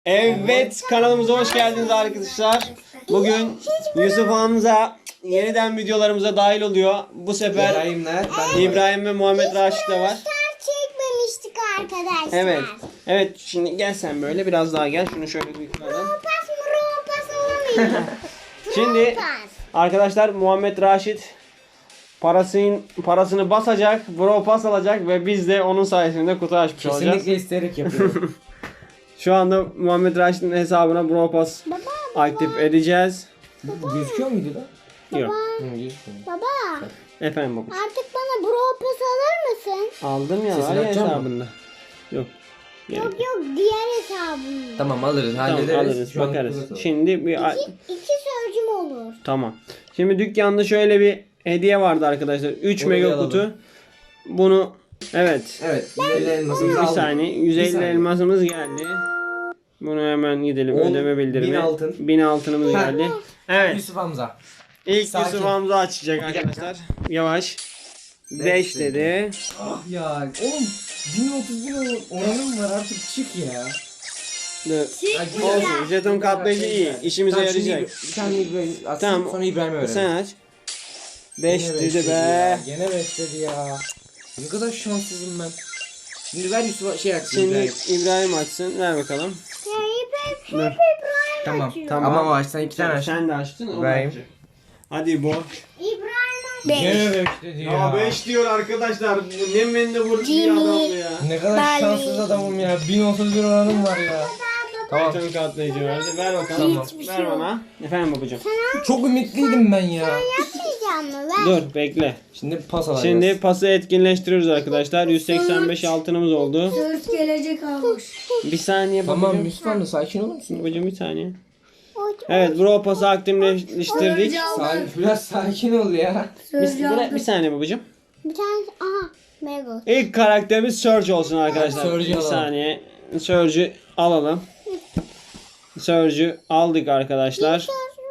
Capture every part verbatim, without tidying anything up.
Evet, kanalımıza hoş geldiniz arkadaşlar. Bugün Yusuf Hamza yeniden videolarımıza dahil oluyor. Bu sefer İbrahimler, ben de İbrahim ve Muhammed Raşit de var. Çekmemiştik arkadaşlar. Evet. Evet, şimdi gel sen böyle biraz daha gel. Şunu şöyle bir koyalım. Pas mı pas olamıyor. Şimdi Pas. arkadaşlar Muhammed Raşit parasını parasını basacak, bro pas alacak ve biz de onun sayesinde kutu açmış olacağız. kesinlikle isteyerek yapıyorum. Şu anda Muhammed Raşit'in hesabına bro pas Baba, aktif edeceğiz. Gözüküyor muydu da? Yok. Hı, gözükmüyor. baba Efendim baba. artık bana bro pas alır mısın? Aldım ya, Sesini var ya açacak mısın? hesabında. Yok. Gerek Yok yok diğer hesabımda. Tamam alırız, Tamam, hallederiz. alırız, Şu an bakarız. kutu atalım. Şimdi bir İki, iki sözcüm olur. tamam. Şimdi dükkanda şöyle bir hediye vardı arkadaşlar. üç Onu mega bir alalım. kutu. Bunu evet. Evet, yüz elli elmasımızı Bir aldık. saniye. yüz elli Bir saniye. elmasımız geldi. Bunu hemen gidelim. On, Ödeme bildirimi. bin altın. bin altınımız Ha. geldi. Evet. Yusuf Hamza. İlk Sakin. Yusuf Hamza açacak arkadaşlar. Yavaş. beş dedi. Ah ya, oğlum bin otuz bin oranım var, artık çık ya. Dur. Ya, güzel. Olsun. Jeton katlayıcı iyi. İşimize Tamam, şimdi yarayacak. Bir tane İbrahim atsın, Tamam. sonra İbrahim'e verelim. Sen aç. beş Gene dedi beş be. ya, Gene beş dedi ya. Ne kadar şanssızım ben. Şimdi ver Yusuf'a şey açsın Şimdi İbrahim. İbrahim açsın. Ver bakalım. Ya hep hep Dur. hep İbrahim Tamam. açıyor. Tamam. Ama aç, sen iki tane aç. Sen de açtın. o da İbrahim. açacak. Hadi bu. İbrahim açıyor. Gene beş dedi ya. Ya beş diyor arkadaşlar. Bu ne mendebur bir Jimmy. adam ya. Ne kadar Bali. şanssız adamım ya. bin otuz bir oranım var ya. Tamam. Jeton katlayıcı verdi. Ver bakalım. Tamam. Hiçbir Ver şey yok. bana. Efendim babacığım. Çok ümitliydim ben ya. Yapmayacağım mı? Ver. Dur bekle. Şimdi pas alacağız. Şimdi pası etkinleştiriyoruz arkadaşlar. yüz seksen beş altınımız oldu. Söz gelecek almış. Bir saniye Tamam babacığım. Yusuf Hamza, sakin olur musun? Babacığım bir saniye. Oy, Evet, bro pası aktifleştirdik. Sakin, biraz sakin ol ya. Bir, Sözcü bir, aldım. bir saniye babacığım. Bir tane aha. Mega. İlk karakterimiz Surge olsun arkadaşlar. Surge'ü Bir alalım. saniye. Surge'ü alalım. Surge'ü aldık arkadaşlar.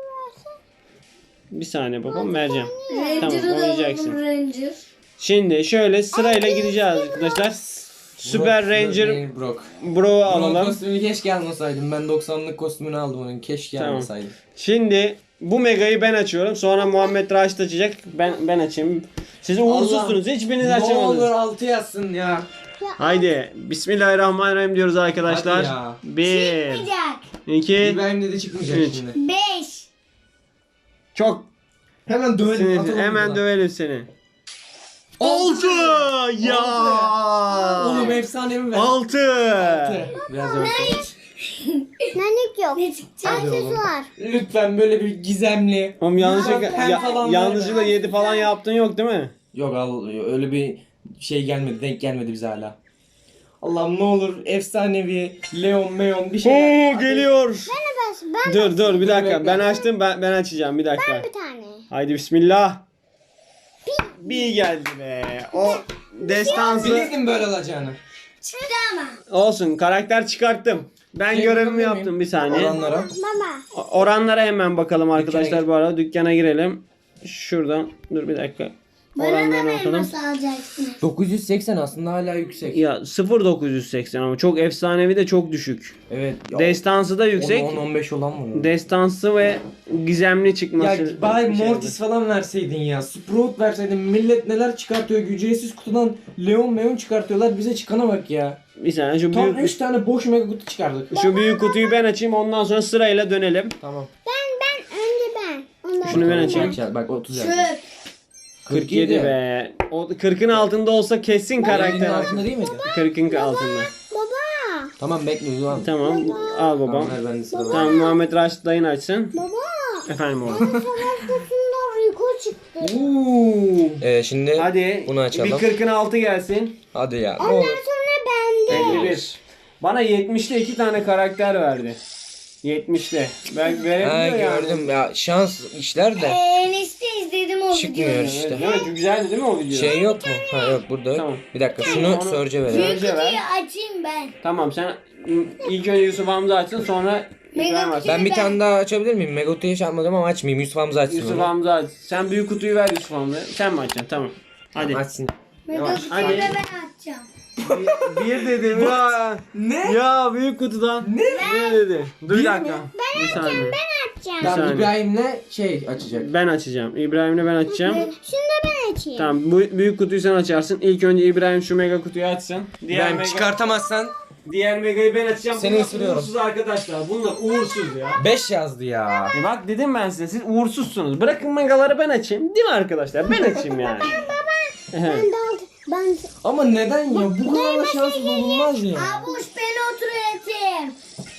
Bir saniye babam vereceğim. Ranger'ı Tamam, da oynayacaksın. alalım, Ranger. Şimdi şöyle sırayla gideceğiz arkadaşlar. Süper Brock, Ranger Brock, Brock. Bro'u Brock alalım. kostümünü keşke almasaydım. Ben doksanlık kostümünü aldım onun. Keşke Tamam. almasaydım. Şimdi bu megayı ben açıyorum. Sonra Muhammed Raşit açacak. Ben ben açayım. Siz uğursuzsunuz. Hiçbiriniz Ne olur açamadınız. altı yazsın ya. Haydi. Bismillahirrahmanirrahim diyoruz arkadaşlar. Hadi ya. Bir, Çıkmayacak. iki, İbrahim'de de çıkmayacak Üç. şimdi. Beş. çok Hemen dövelim. sinirli. atalım Hemen buradan. dövelim seni. Altı! Ya! Oğlum efsanevi ver. Altı! Biraz örtün. Nanik yok. Ne çıkacak? Hadi oğlum. Aksesuar. Lütfen böyle bir gizemli. Oğlum yanlışlıkla, Pen ya, falan yanlışlıkla verme. yedi falan yaptın yok değil mi? Yok al, öyle bir şey gelmedi, denk gelmedi bize hala. Allah'ım ne olur efsanevi Leon Meon bir şey. Oo geliyor. Ben, ben Dur dur bir dakika. bekle. Ben açtım ben ben açacağım bir dakika. bir tane. Haydi bismillah. Bir geldi be. O destansı Bilirdim böyle olacağını. Çıktı ama. olsun. Karakter çıkarttım. Ben Şey görevimi yapabilir yaptım miyim? bir saniye. Oranlara. Baba. O- Oranlara hemen bakalım arkadaşlar gir. bu arada. Dükkana girelim. Şuradan dur bir dakika. Bana da Oranlarını mı atalım. elması alacaksınız? dokuz yüz seksen aslında hala yüksek. Ya sıfır nokta dokuz yüz seksen ama çok efsanevi de çok düşük. Evet. Ya, Destansı da yüksek. on on beş olan var. ya. Destansı ve gizemli çıkması. Ya bari bir şey Mortis falan verseydin ya. Sprout verseydin. Millet neler çıkartıyor. Ücretsiz kutudan Leon Meon çıkartıyorlar. Bize çıkana bak ya. Bir saniye şu Tam büyük, üç tane boş mega kutu çıkardık. şu büyük kutuyu ben açayım ondan sonra sırayla dönelim. Tamam. Ben ben önce ben. Ondan Şunu ben sonra açayım. Bak, bak otuz Çöp. yazdı. kırk yedi be. O kırkın altında olsa kesin Karakterin karakter. altında değil miydi? kırkın altında. Baba. Tamam bekliyoruz lan. Tamam al babam. Tamam ver ben de sıra var. Tamam Muhammed Raşit dayın açsın. Baba. Efendim oğlum. Savaş kutusundan Rico çıktı. Uuu. Ee, şimdi Hadi bunu açalım. bir kırkın altı gelsin. hadi ya. Ne Ondan olur. sonra bende. elli bir. Bana yetmişte iki tane karakter verdi. yetmişte. Ben Ha, verebiliyor yani. gördüm ya, şans işler de Enişte izledim o çıkmıyor videoyu. Evet, işte. değil mi? Çok güzeldi değil mi o video? Şey yok mu? Ha yok burada. Tamam. Bir dakika şunu Onu- Surge'e verelim. Surge- Büyük ver. kutuyu açayım ben. Tamam sen ilk önce Yusuf Hamza açsın sonra İbrahim açsın. Ben bir tane daha açabilir miyim? Megotu'yu hiç yapmadım ama açmayayım. Yusuf Hamza açsın Yusuf onu. Hamza aç. Sen büyük kutuyu ver Yusuf Hamza'ya. Sen mi açacaksın? Tamam. Hadi. Açsın. Mega Yavaş, kutuyu hadi. da ben açacağım. Bir, bir dedim ya. Ne? Ya büyük kutudan. Ne? Ne dedi? Dur bir Bir dakika. mi? Bir saniye. Açacağım. Bir saniye. Tamam İbrahim'le şey açacak. Ben açacağım. İbrahim'le ben açacağım. Şunu da ben açayım. Tamam bu büyük kutuyu sen açarsın. İlk önce İbrahim şu mega kutuyu açsın. Diğer İbrahim mega, çıkartamazsan diğer megayı ben açacağım. Seni Bunlar ısırıyorum. uğursuz arkadaşlar. Bunlar uğursuz ya. beş yazdı ya. E bak dedim ben size siz uğursuzsunuz. Bırakın megaları ben açayım. Değil mi arkadaşlar? Ben açayım yani. Ben de aldım. Ben Ama neden ya? Bu kadar da şanssız olunmaz ya. Abuş beni oturayım.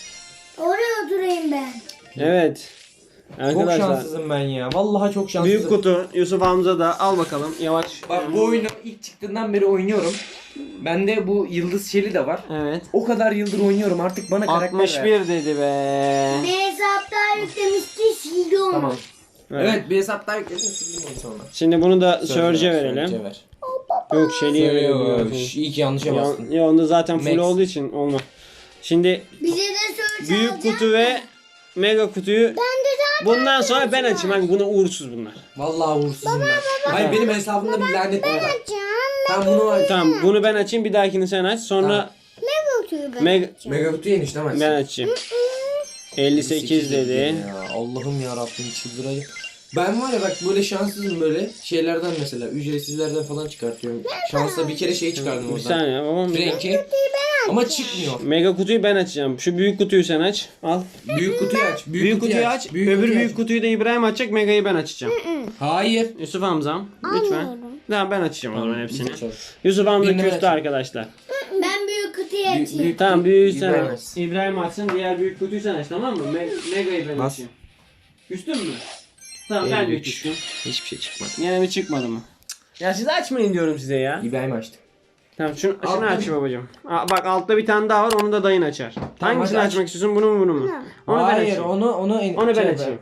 Oraya oturayım ben. Evet. Çok Arkadaşlar. şanssızım ben ya. Vallahi çok şanssızım. Büyük kutu Yusuf Hamza da al bakalım yavaş. Bak bu oyunu ilk çıktığından beri oynuyorum. Bende bu Yıldız Şeli de var. Evet. O kadar yıldır oynuyorum artık bana karakter altmış ver. bir dedi be. Ne hesapta yüklemişti sildim. Tamam. Evet. Evet, bir hesap daha yükledim sildim onu sonra. Şimdi bunu da Surge'e Surge'e ver, verelim. Surge'e ver. Yok Şeli'ye Söylüyor. verelim. İyi ki yanlışa Ya, bastın. ya onda zaten full Max. olduğu için olmaz. Şimdi Bize de söyle büyük kutu ve mega kutuyu bundan sonra ben açayım. Hani buna uğursuz bunlar. Vallahi uğursuzum ben. Hayır benim hesabımda bir lanet var. açacağım. Tamam bunu aç. Tamam bunu ben açayım bir dahakini sen aç. Sonra Tamam. Ne kutuyu ben mega Mega kutu yemiş değil mi? ben açayım. elli sekiz dedi. Ya, Allah'ım ya Rabbim çıldıracağım. Ben var ya bak böyle şanssızım böyle şeylerden mesela ücretsizlerden falan çıkartıyorum. Şansla bir kere şey çıkardım Bir oradan. saniye babam. Frenki. Ama çıkmıyor. Mega kutuyu ben açacağım. Şu büyük kutuyu sen aç. Al. Büyük kutuyu aç. Büyük, Büyük kutuyu aç. Öbür kutuyu büyük aç. kutuyu da İbrahim açacak. Mega'yı ben açacağım. Hayır. Yusuf Hamzam lütfen. Almıyorum. Tamam ben açacağım o zaman hepsini. Lütfen. Yusuf Hamza Birini küstü aç. arkadaşlar. Ben büyük kutuyu Büyük- açayım. büyük- Tamam büyüğü sen İbrahim aç. açsın. İbrahim açsın. Diğer büyük kutuyu sen aç tamam mı? Me- Mega'yı ben Bas. açayım. Küstün mü? Tamam Benim ben de üç. küstüm. Hiçbir şey çıkmadı. Yine mi çıkmadı mı? Ya siz açmayın diyorum size ya. İbrahim açtı. Tamam şunu, şunu Altta aç babacığım. Aa, bak altta bir tane daha var onu da dayın açar. Hangisini hadi aç. açmak istiyorsun bunu mu bunu mu? Onu ben Hayır açayım. onu onu en Onu ben şey açayım.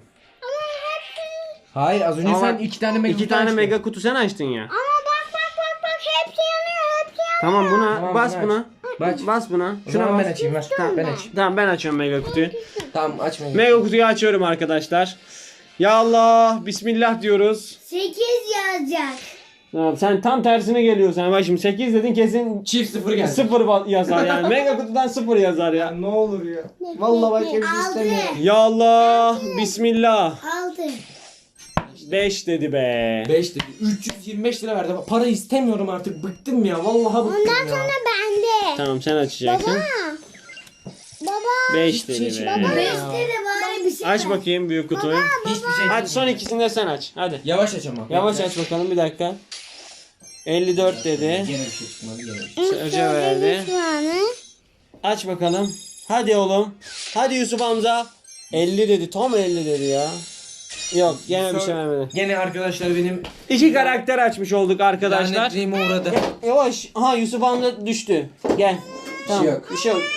Hayır az önce Ama sen iki tane mega İki kutu tane açtın. mega kutu sen açtın ya. Ama bak bak bak bak hepsi yanıyor hepsi yanıyor. Tamam buna Tamam, bas bunu buna. Aç. Bas buna. O Şuna zaman bas. ben açayım ver. Tamam. Ben açayım. Tamam ben açıyorum mega kutuyu. Tamam aç mega. Mega kutuyu açıyorum arkadaşlar. Ya Allah bismillah diyoruz. sekiz yazacak. Tamam, sen tam tersine geliyorsun. Yani bak şimdi sekiz dedin kesin Çift sıfır geldi. sıfır ba- yazar yani. Mega kutudan sıfır yazar ya. Ne olur ya. Vallahi başka bir şey Altı. istemiyorum. Ya Allah bismillah. Altı. beş dedi be. beş dedi. üç yüz yirmi beş lira verdi. Para istemiyorum artık. Bıktım ya. Vallahi bıktım Ondan ya. sonra bende. Tamam sen açacaksın. Baba. Baba. beş Hiçbir dedi şey be. çıkmadı. Beşte de bari bir şey Aç var. bakayım büyük kutuyu. Hiçbir şey Hadi son ikisini de sen aç. Hadi. Yavaş aç ama. Yavaş aç bakalım bir dakika. elli dört dedi. Gene bir şey çıkmadı. Gene bir şey. Sörce verdi. Şu anı. Aç bakalım. Hadi oğlum. Hadi Yusuf Hamza. elli dedi. Tam elli dedi ya. Yok gene bir şey vermedi. Gene arkadaşlar benim İki karakter açmış olduk arkadaşlar. lanetliğime uğradı. Yavaş. Aha Yusuf Hamza düştü. Gel. Tamam. yok. Bir şey yok.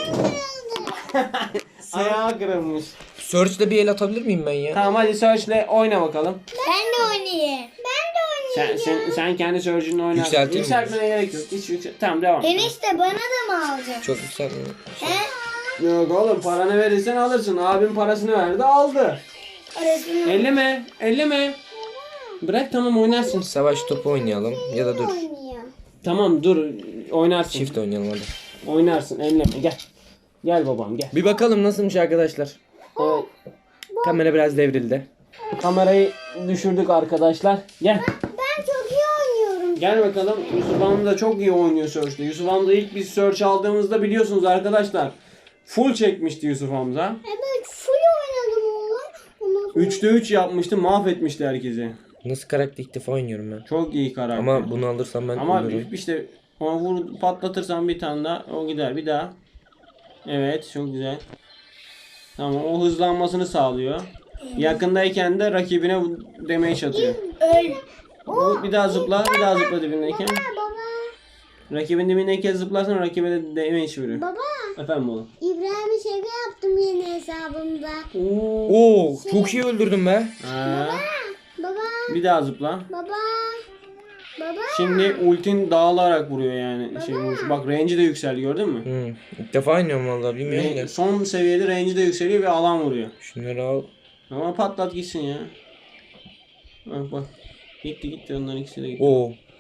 Ayağı kırılmış. Search'te bir el atabilir miyim ben ya? Tamam hadi Search'le oyna bakalım. Ben de oynayayım. Ben de oynayacağım. Sen, sen, sen kendi Search'ünle oyna. Yükselteyim mi? Yükseltmene gerek yok. Hiç yüksel... Tamam devam. Enişte bana da mı alacaksın? Çok yükselmiyor. He? Yok oğlum paranı verirsen alırsın. Abim parasını verdi aldı. Arasını. Elleme. Elleme. Bırak tamam oynarsın. Savaş topu oynayalım ya da dur. Oynuyor. Tamam dur oynarsın. Çift oynayalım hadi. Oynarsın elleme gel. Gel babam gel. Bir bakalım nasılmış arkadaşlar. Evet, Kamera biraz devrildi. kamerayı düşürdük arkadaşlar. Gel. Ben çok iyi oynuyorum. Gel bakalım. Yusuf Hamza da çok iyi oynuyor Search'te. Yusuf Hamza ilk biz Search aldığımızda biliyorsunuz arkadaşlar. Full çekmişti Yusuf Hamza. Evet full oynadım oğlum. Ondan sonra üçte üç yapmıştı mahvetmişti herkesi. Nasıl karakter ilk defa oynuyorum ben. Çok iyi karakter. Ama bunu alırsam ben Ama ölürüm. işte ona vur patlatırsan bir tane daha o gider bir daha. Evet çok güzel. Tamam o hızlanmasını sağlıyor. Yakındayken de rakibine damage atıyor. Öl. Bu bir daha zıpla bir daha zıpla dibindeyken. baba. Rakibin dibindeyken zıplarsan rakibe de damage vuruyor. Baba. Efendim oğlum. İbrahim'e şaka yaptım yeni hesabımda. Oo, çok iyi öldürdüm be. Ha, Baba. bir daha zıpla. Baba. Baba. Şimdi ultin dağılarak vuruyor yani. Şey, vuruş. Bak range'i de yükseldi gördün mü? Hı. İlk defa oynuyorum vallahi bilmiyorum Range- da. son seviyede range'i de yükseliyor ve alan vuruyor. Şunları al. Ama patlat gitsin ya. Bak bak. Gitti gitti onların ikisi de gitti. Oo.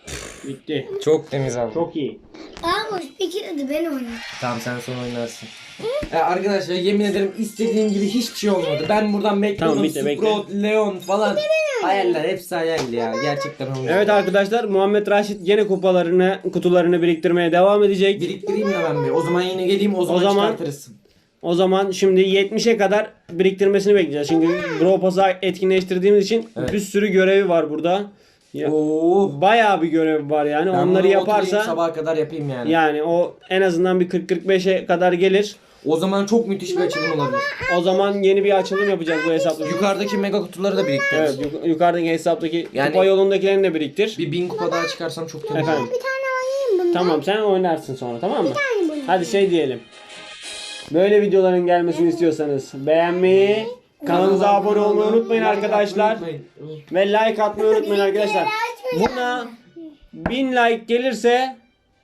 Bitti. Çok temiz abi. Çok iyi. Aa boş bir kere de ben oynayayım. Tamam sen son oynarsın. E, arkadaşlar yemin ederim istediğim gibi hiçbir şey olmadı. Ben buradan bekliyordum. Tamam, bitti, bekle. Sprout, Leon falan. Hayaller hepsi hayaldi ya. Gerçekten olmadı. Evet arkadaşlar, Muhammed Raşit gene kupalarını, kutularını biriktirmeye devam edecek. Biriktireyim de ben bir. O zaman yine geleyim o zaman, O zaman- çıkartırız. O zaman şimdi yetmişe kadar biriktirmesini bekleyeceğiz. Çünkü Brawl Pass'ı etkinleştirdiğimiz için Evet. bir sürü görevi var burada. Ya, Oo. bayağı bir görev var yani. Ben Onları bunu oturayım, yaparsa sabaha kadar yapayım yani. yani o en azından bir kırk kırk beşe kadar gelir. O zaman çok müthiş bir açılım olabilir. O zaman yeni bir açılım yapacağız bu hesapta. Yukarıdaki mega kutuları da biriktiririz. Evet, yuk- yukarıdaki hesaptaki Yani- kupa yolundakilerini de biriktir. Bir bin kupa daha çıkarsam çok temiz. Efendim. Bir tane oynayayım bunu. Tamam, sen oynarsın sonra, tamam mı? tane bunu. Hadi şey diyelim. Böyle videoların gelmesini istiyorsanız beğenmeyi, kanalımıza abone olmayı unutmayın arkadaşlar. Ve like atmayı unutmayın arkadaşlar. Buna bin like gelirse,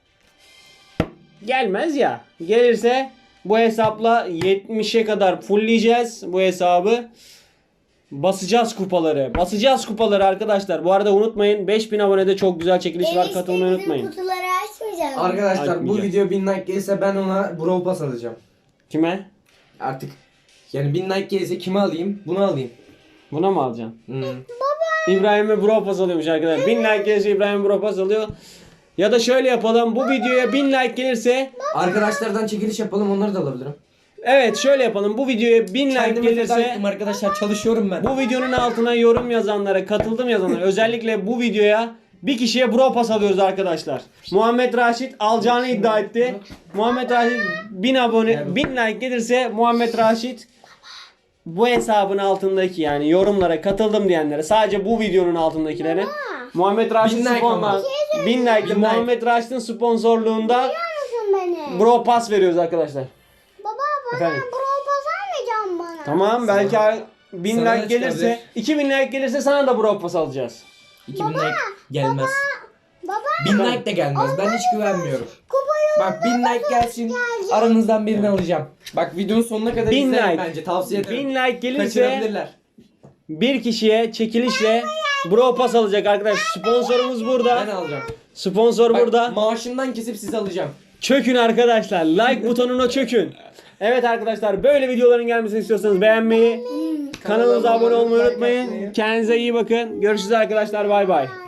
gelmez ya. Gelirse bu hesapla yetmişe kadar fullleyeceğiz bu hesabı. Basacağız kupaları. Basacağız kupaları arkadaşlar. Bu arada unutmayın, beş bin abonede çok güzel çekiliş var. Katılmayı unutmayın. Kutuları açmayacağız. Arkadaşlar bu Açmayacağız. video bin like gelirse ben ona Brawl Pass alacağım. Kime? Artık yani bin like gelirse kime alayım? Bunu alayım. Buna mı alacaksın? Hmm. İbrahim'e Brawl Pass alıyormuş arkadaşlar. bin like gelirse İbrahim Brawl Pass alıyor. Ya da şöyle yapalım. Bu videoya bin like gelirse, Arkadaşlardan çekiliş yapalım, onları da alabilirim. evet şöyle yapalım. Bu videoya bin like Kendime feda gelirse, ettim arkadaşlar, çalışıyorum ben. bu videonun altına yorum yazanlara, katıldım yazanlara, özellikle bu videoya bir kişiye Brawl Pass alıyoruz arkadaşlar. Muhammed Raşit alacağını iddia etti. Muhammed Raşit bin abone, bin like gelirse Muhammed Raşit bu hesabın altındaki, yani yorumlara katıldım diyenlere, sadece bu videonun altındakilere Muhammed Raşit Bin like sponsorluğunda, ama. bin like Bin like. Muhammed Raşit'in sponsorluğunda Musun beni? Brawl Pass veriyoruz arkadaşlar. Baba bana Efendim? Brawl Pass almayacağım bana. Tamam, belki bin Sana like ne gelirse, çıkabilir? iki bin like gelirse sana da Brawl Pass alacağız. iki bin like gelmez. Baba bin like de gelmez. Ben hiç güvenmiyorum. kupayı Bak bin like gelsin. Aranızdan birini alacağım. Bak videonun sonuna kadar Bin izleyin like. bence. Tavsiye ederim. bin like gelirse Kaçırabilirler. bir kişiye çekilişle Brawl Pass alacak arkadaş. Sponsorumuz Ben burada. alacağım. Sponsor Bak, burada. maaşımdan kesip size alacağım. Çökün arkadaşlar. Like butonuna çökün. Evet arkadaşlar, böyle videoların gelmesini istiyorsanız beğenmeyi, kanalımıza abone olmayı unutmayın. Kendinize iyi bakın. Görüşürüz arkadaşlar. Bay bay.